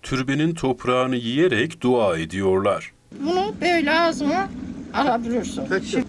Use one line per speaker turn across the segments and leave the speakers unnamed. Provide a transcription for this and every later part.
türbenin toprağını yiyerek dua ediyorlar.
Bunu böyle ağzına alabilirsin.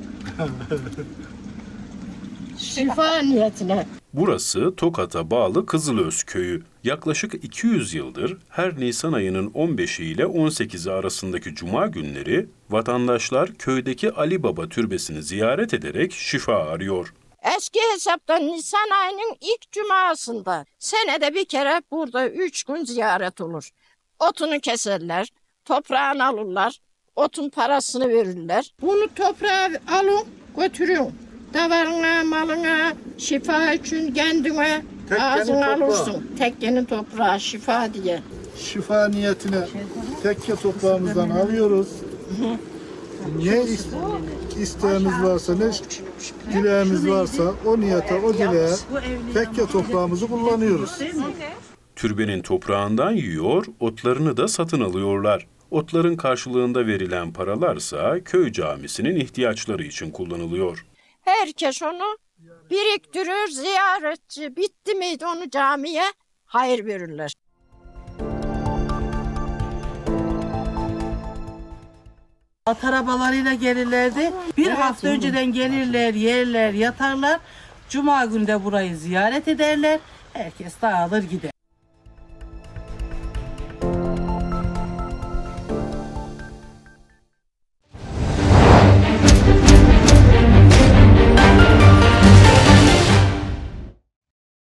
Şifa niyetine.
Burası Tokat'a bağlı Kızılöz köyü. Yaklaşık 200 yıldır her Nisan ayının 15'i ile 18'i arasındaki cuma günleri vatandaşlar köydeki Ali Baba türbesini ziyaret ederek şifa arıyor.
Eski hesaptan Nisan ayının ilk cumasında senede bir kere burada 3 gün ziyaret olur. Otunu keserler, toprağını alırlar, otun parasını verirler. Bunu toprağa alın, götürün. Davarına, malına, şifa için kendine ağzına alırsın. Tekkenin toprağı şifa diye.
Şifa niyetine tekke toprağımızdan alıyoruz. Ne isteğimiz varsa, ne dileğimiz varsa o niyete, o dileğe tekke toprağımızı kullanıyoruz.
Türbenin toprağından yiyor, otlarını da satın alıyorlar. Otların karşılığında verilen paralarsa köy camisinin ihtiyaçları için kullanılıyor.
Herkes onu biriktirir, ziyaretçi bitti miydi onu camiye hayır verirler.
At arabalarıyla gelirlerdi. Bir hafta önceden gelirler, yerler, yatarlar. Cuma günü de burayı ziyaret ederler. Herkes dağılır gider.